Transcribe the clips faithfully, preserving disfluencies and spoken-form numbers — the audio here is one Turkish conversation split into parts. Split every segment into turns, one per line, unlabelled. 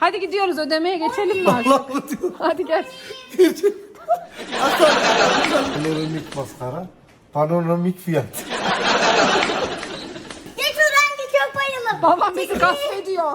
Hadi gidiyoruz, ödemeye geçelim mi artık?
Allah diyor.
Hadi gel.
Panoramik maskara. Panoramik fiyat.
Ya şu rengi çok bayılım.
Babam bizi gasp ediyor.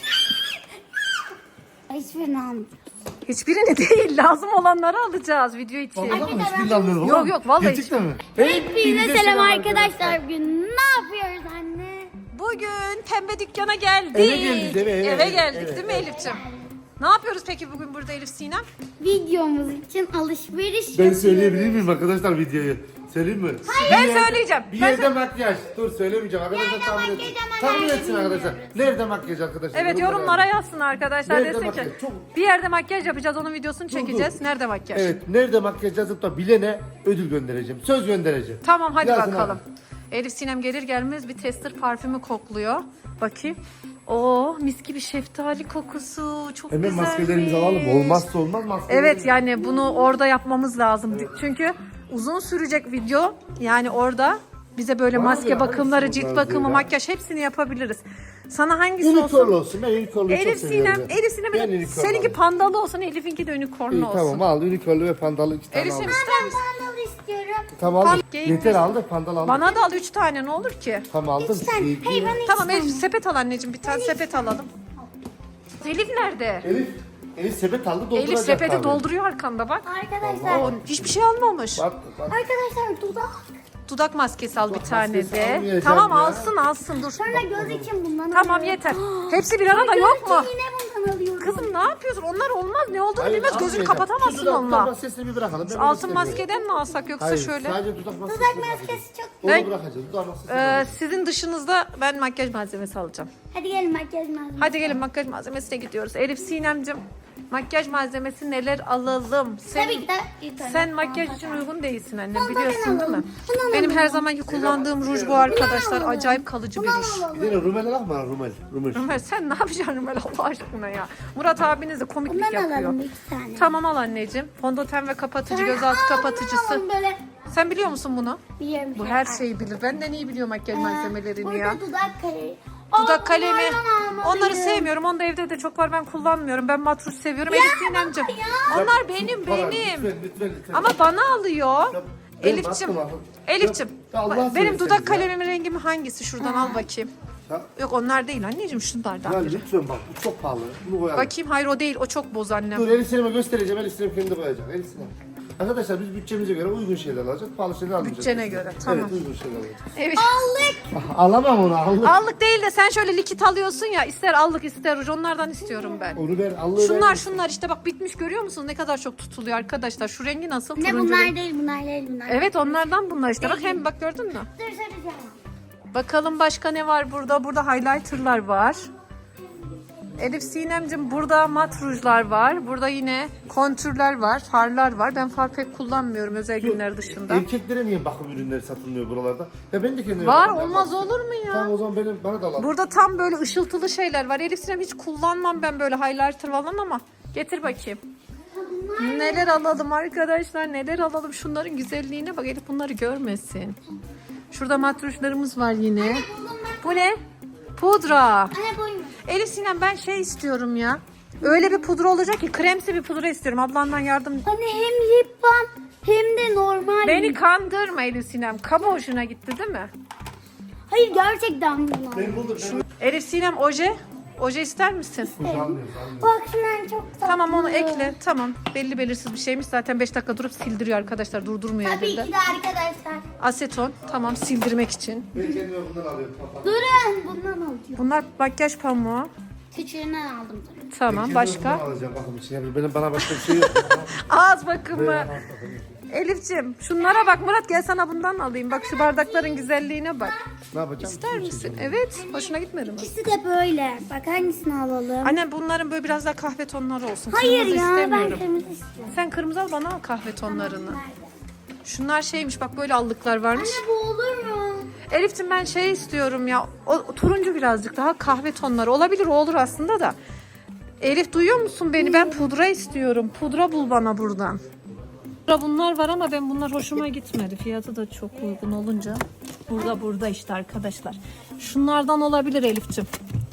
Hiçbirini almayacağım.
Hiçbirini değil, lazım olanları alacağız video için.
Vallahi mı? Hiçbirini almıyorum.
Yok, yok, vallahi
Gerçekten mi?
Hepinize selam arkadaşlar. Bugün ne yapıyoruz anne?
Bugün pembe dükkana geldik.
Eve geldik, eve, eve, eve,
geldik
eve,
değil mi
eve.
Elif'ciğim? Ne yapıyoruz peki bugün burada Elif Sinem?
Videomuz için alışveriş
Ben
yapıyoruz.
söyleyebilir miyim arkadaşlar videoyu? Söyleyeyim mi?
Ben
Bir yer-
söyleyeceğim.
Bir
Ben
yerde makyaj. Dur söylemeyeceğim arkadaşlar,
Nerede
tahmin
makyaj
etsin.
ama
Tahmin
nerede
etsin arkadaşlar. Nerede makyaj arkadaşlar?
Evet, yorumlara yazsın arkadaşlar,
Nerede
desin ki
makyaj? Çok-
bir yerde makyaj yapacağız, onun videosunu çekeceğiz.
dur.
Nerede makyaj?
Evet, nerede makyaj yazıp da bilene ödül göndereceğim. Söz göndereceğim.
Tamam, hadi
Yazın
bakalım.
abi.
Elif Sinem gelir gelmez bir tester parfümü kokluyor. Bakayım. Oo, mis gibi şeftali kokusu. Çok
Hemen
güzelmiş.
maskelerimizi alalım. Olmazsa olmaz maskelerimiz.
Evet, yani bunu orada yapmamız lazım. Çünkü uzun sürecek video. Yani orada bize böyle
Var
maske
ya,
bakımları,
hangisi
cilt
bunlar
bakımı,
diyor ya?
makyaj hepsini yapabiliriz. Sana hangisi
Unicorn
olsun?
olsun. Ben unicorn'u çok
Elif
seviyorum.
Sinem,
ya.
Elif Sinem
Ben unicorn
seninki
alayım.
pandalı olsun, Elif'inki de unicornlu
İyi,
olsun.
tamam al unicorn'lu ve pandalı iki tane
Elif
al.
Sinem ister misin?
Pandalı istiyorum.
Tamam aldım.
Pan-
Yeter aldı pandal aldım.
Bana da al üç tane, ne olur ki?
Tamam aldım.
Sen,
İyi,
hey
iyi.
bana hiç
Tamam Elif,
istemiyorum.
sepet al anneciğim, bir tane sepet alalım. Elif nerede?
Elif, Elif sepet aldı dolduracak.
Elif sepeti
tabii.
dolduruyor arkanda bak.
Arkadaşlar,
O hiçbir şey almamış.
Bak bak.
arkadaşlar dudak.
Dudak maskesi al bir
Dudak
tane
maskesi
de.
almayacağım
Tamam
ya.
alsın alsın dur.
Sonra göz için bundan
Tamam
alıyorum.
yeter. Hepsi bir arada yok mu?
Göz için yine bundan alıyorum.
Kızım ne yapıyorsun? Onlar olmaz. Ne olduğunu
Hayır,
bilmez. Gözünü
almayacağım.
kapatamazsın
Şu dudak-
onunla.
dudak maskesini bir bırakalım. Ben onu
Altın
istemiyorum.
maskeden mi alsak yoksa
Hayır,
şöyle?
sadece dudak maskesi.
Dudak
bırakacağız.
maskesi çok.
Onu
Ben-
bırakacağız. Dudak maskesi.
Ee, sizin dışınızda ben makyaj malzemesi alacağım.
Hadi gelin makyaj malzemesi.
Hadi gelin makyaj malzemesine gidiyoruz. Elif Sinemcim, makyaj malzemesi neler alalım? Sen,
Tabii ki de bir tane.
sen makyaj için uygun değilsin annem,
Tamam,
biliyorsun
ben
değil mi?
alalım. Ben alalım.
Benim her zamanki kullandığım ruj bu arkadaşlar.
alalım.
Acayip kalıcı bir
Bunu
ruj.
alalım.
Bir de rumel al mı? Rumel. Rumel.
Ömer sen ne yapacaksın Ömer Allah aşkına ya? Murat abiniz de komiklik
Bundan
yapıyor.
alalım iki tane.
Tamam al anneciğim. Fondöten ve kapatıcı,
Sonra-
gözaltı
Aa,
kapatıcısı.
bundan alalım böyle.
Sen biliyor musun bunu?
Biliyorum.
Bu her şeyi bilir. Benden iyi biliyor makyaj malzemelerini
Burada
ya.
dudak kalemi.
Dudak
Aa,
kalemi.
bunlardan almalıyım.
Onları sevmiyorum. Onu da evde de çok var. Ben kullanmıyorum. Ben matruş seviyorum. Elif Sinemciğim.
ya.
Onlar benim
Falan,
benim.
Lütfen lütfen lütfen.
Ama bana alıyor.
Ya, ben
Elif'cim.
baktım,
Elif'cim.
Ya Allah
Benim
seversen
dudak
ya.
kalemimin rengi mi hangisi? Şuradan al bakayım.
Ya,
Yok onlar değil anneciğim, şunlardan
ya
biri.
lütfen bak bu çok pahalı. Bunu koyalım.
Bakayım, hayır o değil. O çok boz annem.
Dur Elif Sinem'e göstereceğim. Elif Sinem kendi koyacak. Elif Sinem. Arkadaşlar biz bütçemize göre uygun şeyler alacağız. Pahalı şeyler almayacağız.
Bütçene göre, tamam.
Evet uygun şeyler alacağız.
Evet.
Allık.
Ah, alamam onu allık.
Allık değil de sen şöyle likit alıyorsun ya, ister allık ister ruj, onlardan istiyorum ben.
Onu ver allığı
Şunlar
ver.
şunlar işte bak, bitmiş görüyor musunuz ne kadar çok tutuluyor arkadaşlar. Şu rengi nasıl?
Ne
Turuncu
bunlar
renk.
değil bunlar değil bunlar.
Evet onlardan bunlar işte. Bak hem bak gördün mü?
Dur saracağım.
Bakalım başka ne var burada? Burada highlighterlar var. Elif Sinemcim burada mat rujlar var. Burada yine kontürler var, farlar var. Ben far pek kullanmıyorum özel günler dışında.
Erkeklere niye bakım ürünleri satılmıyor buralarda? Ya ben de kendime
Var,
bakım
olmaz
yapmak
olur mu ya?
Tamam o zaman benim, bana da alalım.
Burada tam böyle ışıltılı şeyler var. Elif Sinem hiç kullanmam ben böyle highlighter falan ama getir bakayım. Neler alalım arkadaşlar, neler alalım, şunların güzelliğine bak. Elif bunları görmesin. Şurada matruşlarımız var yine. Bu ne? Pudra.
Anne boyun.
Elif Sinem ben şey istiyorum ya. Öyle bir pudra olacak ki, kremsi bir pudra istiyorum. Ablandan yardım.
Anne hem lip balm hem de normal.
Beni kandırma Elif Sinem. Kaba hoşuna gitti değil mi?
Hayır gerçekten bunlar.
Ben buldum. Ben
Elif Sinem oje. Oje ister misin?
buldum.
Bak şunlar çok tatlı.
Tamam onu ekle. Tamam. Belli belirsiz bir şeymiş. Zaten beş dakika durup sildiriyor arkadaşlar. Durdurmuyor
Tabii
elinde.
ki de arkadaşlar.
Aseton. Tamam, sildirmek için.
Ben kendime bundan alıyorum. Kapat.
Durun bundan alacağım.
Bunlar makyaj pamuğu.
Küçüğünden aldım tabii.
Tamam,
Kendime
başka?
bundan alacağım bakım için. Yani benim bana başka bir şey yok.
Ağız bakımı. Elif'ciğim şunlara bak. Murat gel sana bundan alayım. Bak şu bardakların güzelliğine bak.
Ne yapacağım?
İster misin? Evet. Hoşuna gitmedi mi?
İkisi de böyle. Bak hangisini alalım?
Anne bunların böyle biraz daha kahve tonları olsun.
Hayır
Kırmızı
ya ben
istemiyorum.
kırmızı istiyorum.
Sen kırmızı al, bana al kahve tonlarını. Şunlar şeymiş bak, böyle allıklar varmış.
Anne bu olur mu?
Elif'ciğim ben şey istiyorum ya. O, o turuncu birazcık daha kahve tonları. Olabilir, o olur aslında da. Elif duyuyor musun beni? Ben pudra istiyorum. Pudra bul bana buradan. Pudra bunlar var ama ben bunlar hoşuma gitmedi. Fiyatı da çok uygun olunca. Burada burada işte arkadaşlar. Şunlardan olabilir Elif'ciğim.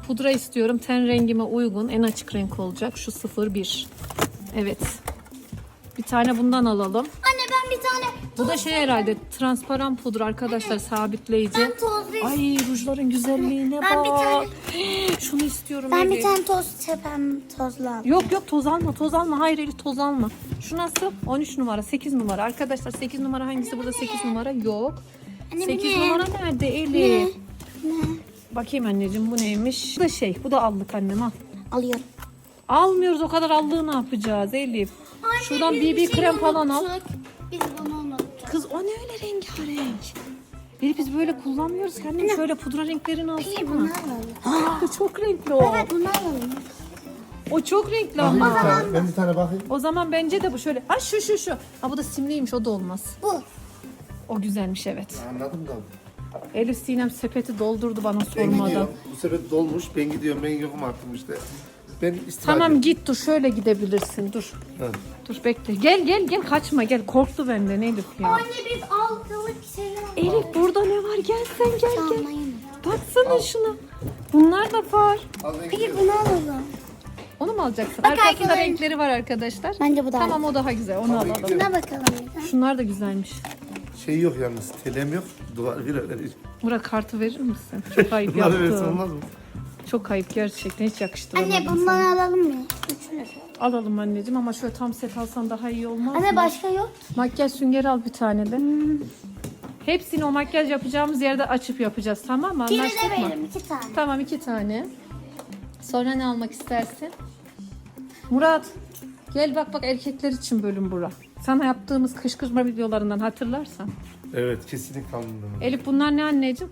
pudra istiyorum. Ten rengime uygun. En açık renk olacak. Şu sıfır bir. Evet. Bir tane bundan alalım.
Anne ben bir tane
Bu da şey herhalde transparan pudra arkadaşlar, sabitleyici.
ben tozlu
Ay rujların güzelliğine
Ben
bak.
bir tane-
Şunu istiyorum.
Ben bir
Elif.
tane toz tepem tozlu aldım.
Yok yok toz alma toz alma. Hayır Elif toz alma. Şu nasıl? on üç numara, sekiz numara. Arkadaşlar sekiz numara hangisi? Burada sekiz numara yok.
Anne, bu
sekiz
ne?
numara nerede Elif?
Ne?
Bakayım anneciğim bu neymiş? Bu da şey, bu da allık annem al.
Alıyorum.
Almıyoruz, o kadar allığı ne yapacağız Elif?
Anne,
Şuradan
biz
B B
bir şey
krem falan al.
unuttuk. Biz bunu unuttuk.
Kız o ne öyle rengarenk? Elif biz böyle kullanmıyoruz. Kendim şöyle pudra renklerini
İyi bunu
alsana.
alalım.
Aa, çok renkli o.
Evet bunu alalım.
O çok renkli
Bakayım
ama.
bir tane. Ben bir tane bakayım.
O zaman bence de bu şöyle. Ha şu şu şu. Ha bu da simliymiş, o da olmaz.
Bu.
O güzelmiş evet.
Anladım da.
Elif Sinem sepeti doldurdu bana
Ben
sormadan.
gidiyorum. Bu sefer dolmuş. Ben gidiyorum. Ben yokum artık işte. Ben istirahat
Tamam
ediyorum.
git dur, şöyle gidebilirsin dur.
Ha.
Dur bekle. Gel gel gel, kaçma gel. Korktu benden Elif ya.
Anne biz aldık şeyler.
Elif burada ne var? Gel sen gel gel.
Almayın.
Baksana şuna. Bunlar da var.
Al ben
Peki
gidiyorum.
bunu alalım.
Onu mu alacaksın?
Bak
Arkasında
arkadaşlar.
renkleri var arkadaşlar.
Bence bu daha
Tamam o daha güzel. Onu alalım.
Buna bakalım bir de.
Şunlar da güzelmiş.
Şey yok yalnız. Telem yok. Duvar bir öyle.
Murat kartı verir misin? Çok ayıp
Bunları versin
yaptın.
olmaz mı?
Çok ayıp gerçekten, hiç yakıştıramadım.
Anne
sana.
bundan alalım mı? Üçünü.
Alalım anneciğim ama şöyle tam set alsan daha iyi olmaz mı?
Anne başka yok.
Makyaj süngeri al bir tane de. Hepsini o makyaj yapacağımız yerde açıp yapacağız, tamam mı?
Biri
Anlaştık
de
mı?
verelim iki tane.
Tamam iki tane. Sonra ne almak istersin? Murat gel bak bak, erkekler için bölüm bura. Sana yaptığımız kışkırtma videolarından hatırlarsan.
Evet kesinlikle anladım.
Elif bunlar ne anneciğim?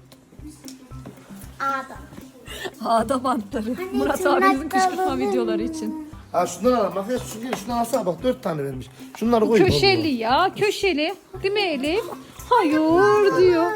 Adam.
Ağda bantları. Murat
tırnak
abimizin kışkırtma
kalıbı.
videoları için.
Ha şundan alalım. Bak ya şundan, şundan alsana bak. Dört tane vermiş. Şunları koy.
Köşeli ya, köşeli. Değil mi Elif? Hayır diyor.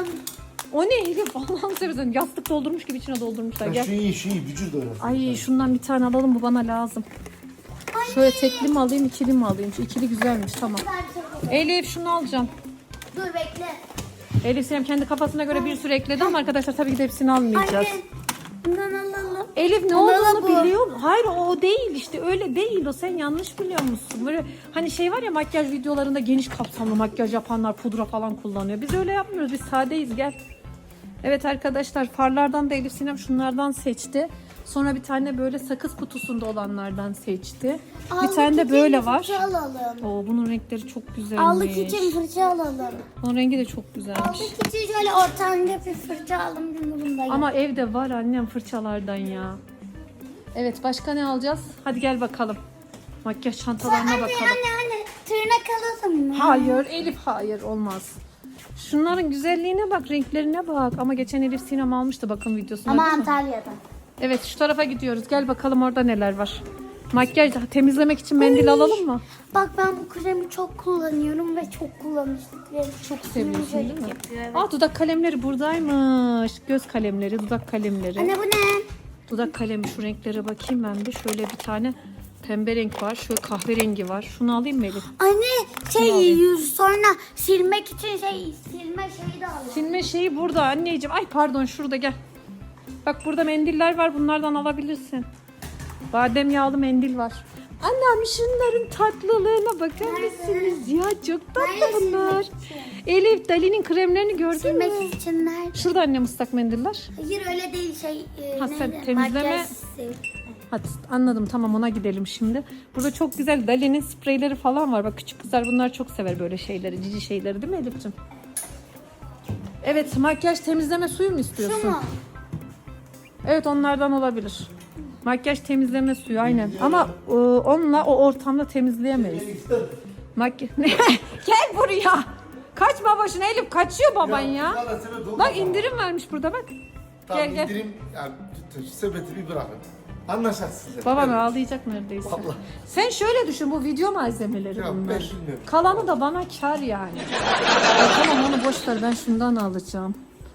O ne Elif? Allah'ını seversen yastık doldurmuş gibi içine doldurmuşlar.
Ya
Gel.
şu iyi şu iyi. Vücut oynasın.
Ay şundan bir tane alalım, bu bana lazım. Şöyle tekli mi alayım, ikili mi alayım? Şu ikili güzelmiş, tamam. Elif şunu alacağım.
Dur bekle.
Elif Sinem kendi kafasına göre bir sürü ekledi ama arkadaşlar tabii ki de hepsini almayacağız.
Anne. Bundan alalım.
Elif ne
Bunlar da
olduğunu
bu.
biliyor musun? Hayır o değil işte, öyle değil o, sen yanlış biliyor musun? Böyle hani şey var ya, makyaj videolarında geniş kapsamlı makyaj yapanlar pudra falan kullanıyor. Biz öyle yapmıyoruz, biz sadeyiz, gel. Evet arkadaşlar, farlardan da Elif Sinem şunlardan seçti. Sonra bir tane böyle sakız kutusunda olanlardan seçti. bir
Allık
tane de
için
böyle var.
Fırça alalım.
Oo, bunun renkleri çok güzelmiş.
Allık için fırça alalım.
Bunun rengi de çok güzelmiş.
Allık için şöyle ortanca bir fırça alalım. Çünkü bunda yok.
Ama evde var annem fırçalardan ya. Evet başka ne alacağız? Hadi gel bakalım. Makyaj çantalarına
Anne
bakalım.
anne anne tırnak alalım mı?
Hayır Elif, hayır olmaz. Şunların güzelliğine bak, renklerine bak. Ama geçen Elif Sinem almıştı bakın videosunu.
Ama
değil mi?
Antalya'da.
Evet şu tarafa gidiyoruz. Gel bakalım orada neler var. Makyaj temizlemek için mendil alalım mı?
Bak ben bu kremi çok kullanıyorum ve çok kullanmıştık. Ve
Çok seviyorsun değil mi?
yapıyor, evet.
Aa dudak kalemleri buradaymış. Göz kalemleri, dudak kalemleri.
Anne bu ne?
Dudak kalemi, şu renklere bakayım ben bir. Şöyle bir tane pembe renk var. Şöyle kahverengi var. Şunu alayım mı Elif?
Anne şey
alayım.
yüz sonra silmek için şey silme şeyi de alalım.
Silme şeyi burada anneciğim. Ay pardon, şurada gel. Bak burada mendiller var. Bunlardan alabilirsin. Badem yağlı mendil var. Annem şunların tatlılığına bakar mısınız? Ya çok tatlı
Nerede
bunlar.
silmek için?
Elif Dali'nin kremlerini gördün mü?
Silmek için nerede?
Şurada annem ıslak mendiller.
Hayır öyle değil şey. E,
Ha, sen
neydi?
temizleme-
Makyaj sil-
Hadi anladım, tamam ona gidelim şimdi. Burada çok güzel Dali'nin spreyleri falan var. Bak küçük kızlar bunlar çok sever böyle şeyleri, cici şeyleri değil mi Elif'ciğim? Evet, makyaj temizleme suyu mu istiyorsun?
Şu mu?
Evet onlardan olabilir. Makyaj temizleme suyu aynen. Ama e, onunla o ortamda temizleyemeyiz. Makyaj... Gel buraya. Kaçma başına Elif, kaçıyor baban ya. Bak indirim vermiş burada bak.
Tamam
Gel, gel.
indirim yani sepeti bir bırakın. Anlaşacağız size.
Babam
Evet.
ağlayacak neredeyse.
Vallahi.
Sen şöyle düşün, bu video malzemeleri
Ya ben
bunlar.
bilmiyorum.
Kalanı da bana kar yani. Ya tamam onu boş ver, ben şundan alacağım.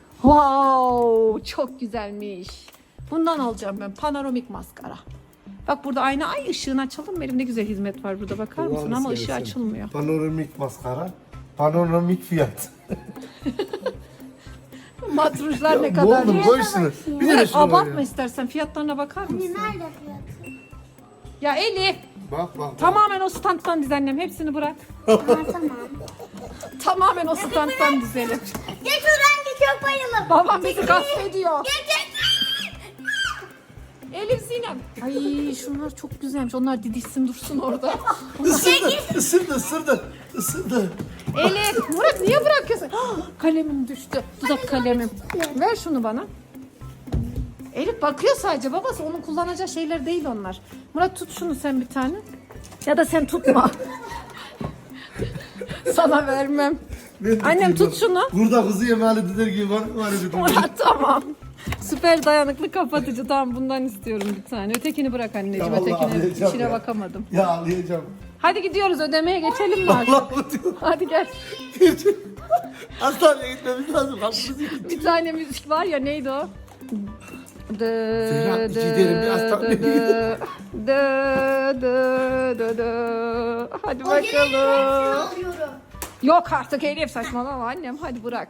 Wow, çok güzelmiş. Bundan alacağım ben, panoramik maskara. Bak burada ayna, ay ışığını açalım mı? Elimde güzel hizmet var burada, bakar mısın?
Allah'ını
Ama ışığı
seversen.
açılmıyor.
Panoramik maskara. Panoramik fiyat.
Matruşlar ne
Ya,
kadar?
Oğlum koy şunu. Bir de
Murat
şunu koy
abartma
ya.
istersen, fiyatlarına bakar mısın?
Nerede fiyatı?
Ya Elif,
Bak bak.
tamamen o standtan diz annem, hepsini bırak.
Ha, tamam.
Tamamen o standtan dizelim.
Geç oradan geç çok bayılım.
Babam bizi gasp ediyor.
Geç geç.
Elif Sinem. Ay şunlar çok güzelmiş. Onlar didişsin dursun orada.
Isırdı, ısırdı, ısırdı, ısırdı.
Elif, Murat niye bırakıyorsun? Ah, kalemim düştü. Dudak kalemim. Ver şunu bana. Elif bakıyor sadece, babası onun kullanacağı şeyler değil onlar. Murat tut şunu sen bir tane. Ya da sen tutma. Sana vermem.
Ben
Annem
tutayım
tut
bak.
şunu.
Burada kızı yemeğe dediler gibi var var dedi.
Murat tamam. Süper dayanıklı kapatıcı, tamam bundan istiyorum bir tane. Ötekini bırak anneciğim.
Ya vallahi
Ötekine
ağlayacağım
içine
ya.
bakamadım.
Ya ağlayacağım.
Hadi gidiyoruz, ödemeye geçelim mi artık?
Allah diyor.
Hadi gel.
Hastaneye gitmemiz lazım. Haklısın.
Bir tane müzik var ya, neydi o? Dı
Zehra,
dı
gidelim bir hastaneye
dı dı dı dı dı dı. Hadi bakalım.
Alıyorum.
Yok artık Elif, saçmalama annem, hadi bırak.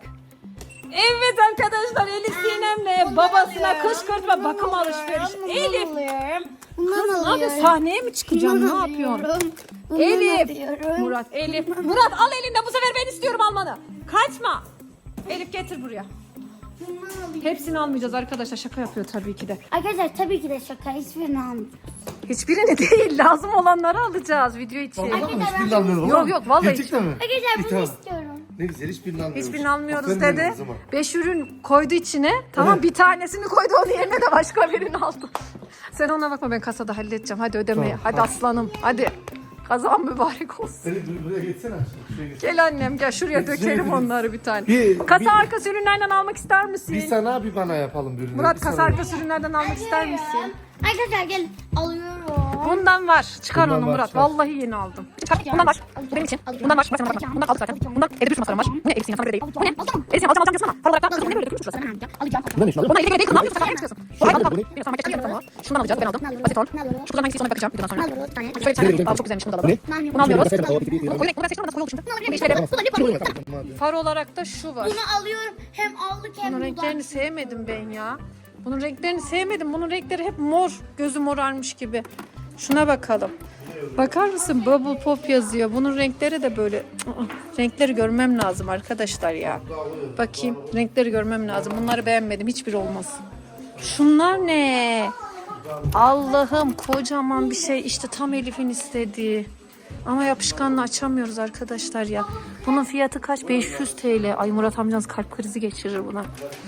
Evet arkadaşlar, Elif Sinem'le babasına kışkırtma bakım alışveriş. Elif
Bundan
kız ne
alıyorum.
yapıyorsun? Sahneye mi çıkacaksın? Ne yapıyorsun?
Bundan
Elif.
alıyorum.
Murat, Elif. Murat al elinden, bu sefer ben istiyorum almanı. Kaçma. Elif getir buraya.
Bundan alıyorum.
Hepsini almayacağız arkadaşlar, şaka yapıyor tabii ki de.
Arkadaşlar tabii ki de şaka. Hiçbirini almayacağım.
Hiçbirini değil, lazım olanları alacağız video için.
Vallahi mı? Hiçbirini almıyorum.
Yok, yok, vallahi
Gerçekten mi?
Arkadaşlar
İyi,
bunu
tamam.
istiyorum.
Ne güzel, hiçbirini almıyoruz.
Hiçbirini almıyoruz
Aferin
dedi.
benim kızıma.
Beş ürün koydu içine. Tamam,
Evet.
bir tanesini koydu, onun yerine de başka birini aldı. Sen ona bakma, ben kasada halledeceğim. Hadi ödemeye.
Tamam,
Hadi
hadi.
aslanım. Hadi. Kazan mübarek olsun.
Seni bur- buraya geçsene aşkım. Şuraya geç.
Gel annem gel, şuraya
Şuraya
dökelim
gidelim.
onları bir tane.
Bir-
Kasa
bir-
arkası ürünlerden almak ister misin?
Bir sana bir bana yapalım bir ürünü.
Murat,
Bir
kasa
sana-
arkası ürünlerden almak ister misin?
Arkadaşlar gelin. Alıyorum.
Bundan var. Çıkar
Bundan
onu
var,
Murat.
çıkar.
Vallahi yeni aldım. Çıkar. Bundan var. Bu benim için. Bundan var. Bak sana bakma. Bundan aldık zaten. Bundan evde bir sürü masarım var. Bu ne? Elif'in sana böyle değil. Bu ne? Elif'in alacağım alacağım diyorsun ama. Para olarak da ne böyle dökülmüş burası.
Alacağım.
Bundan ne?
Ona Elif'e değil. Ne yapıyorsun? Sen ne çıkıyorsun? Bu al al.
Bu ne?
Bir sana marketten geldim. Şundan alacağız. Ben aldım. Basit ol. Şu kulağın hangisi ona bakacağım. Videodan sonra. Şöyle bir tane. Aa, çok güzelmiş. Bunu da alalım. Bunu almıyoruz. O renk. Bunu ben seçtim ama nasıl koyu oldu şimdi. Bir şeyleri. Far olarak da şu var.
Bunu alıyorum. Hem aldık hem
Bunun renklerini sevmedim ben ya. Bunun renklerini sevmedim. Bunun renkleri hep mor. Gözü morarmış gibi. Şuna bakalım. Bakar mısın? Bubble Pop yazıyor. Bunun renkleri de böyle. Aa, renkleri görmem lazım arkadaşlar ya. Bakayım. Renkleri görmem lazım. Bunları beğenmedim. Hiçbir olmaz. Şunlar ne? Allah'ım, kocaman bir şey. İşte tam Elif'in istediği. Ama yapışkanla açamıyoruz arkadaşlar ya. Bunun fiyatı kaç? beş yüz TL. Ay Murat amcanız kalp krizi geçirir buna.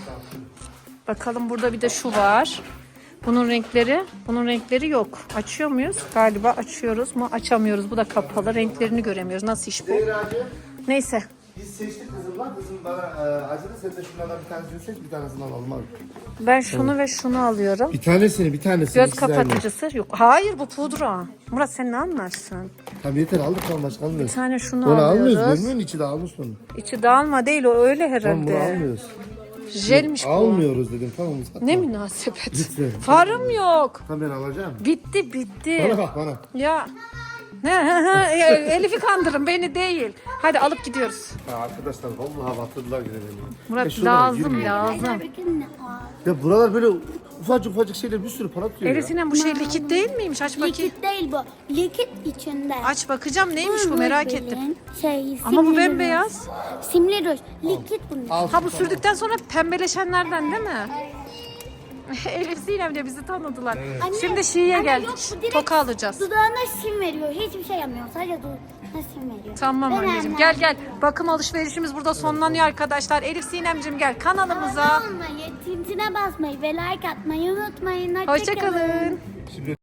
Bakalım, burada bir de şu var. Bunun renkleri, bunun renkleri yok. Açıyor muyuz? Galiba açıyoruz mu? Açamıyoruz. Bu da kapalı. Renklerini göremiyoruz. Nasıl iş bu?
Zehracığım,
Neyse.
biz seçtik kızımla. Kızım bana e, acıdı. Sen de şunlardan bir tanesini seç, bir tanesini alalım abi.
Ben şunu ve şunu alıyorum.
Bir tanesini, bir tanesini.
Göz
ikisi de aynı.
kapatıcısı yok. Hayır, bu pudra. Murat sen ne anlarsın?
Tamam yeter, aldık tamam, başka
Bir
almıyoruz.
tane şunu
Onu almıyoruz,
alıyoruz.
görmüyor musun? İçi de almış onu.
İçi dağılma değil, o öyle
Tamam, bunu
herhalde.
almıyoruz.
Jelmiş bu.
Almıyoruz dedim, tamam mı?
Ne münasebet.
Lütfen.
Farım yok.
Tamam, ben alacağım.
Bitti bitti.
Bana bak bana.
Ya. Ne, Elif'i kandırın, beni değil. Hadi alıp gidiyoruz.
Ya arkadaşlar vallahi batırdılar gene beni.
Murat
Ya şuralara
lazım
girmeyin.
lazım.
Bakın ne var.
Ya buralar böyle ufacık ufacık şeyler bir sürü para tutuyor
Elif
ya.
Sinem, bu şey likit değil miymiş? Aç bakayım.
Likit değil bu. Likit içinde.
Aç bakacağım, neymiş bu, merak ettim.
Şey,
Ama bu
simli
bembeyaz.
ruj. Simli ruj. Likit bunun.
Al.
Ha, bu sürdükten sonra pembeleşenlerden değil mi? Elif Sinem de bizi tanıdılar.
Anne,
Şimdi Şii'ye
anne
geldik.
yok, bu direkt
Toka alacağız.
Dudağına sim veriyor. Hiçbir şey yapmıyor. Sadece dudağına sim veriyor.
Tamam
Ben
anneciğim,
annem.
gel gel. Bakım alışverişimiz burada sonlanıyor arkadaşlar. Elif Sinem'cim gel kanalımıza.
Abone olmayı, tintine basmayı ve like atmayı unutmayın.
Hoşçakalın.
Şimdi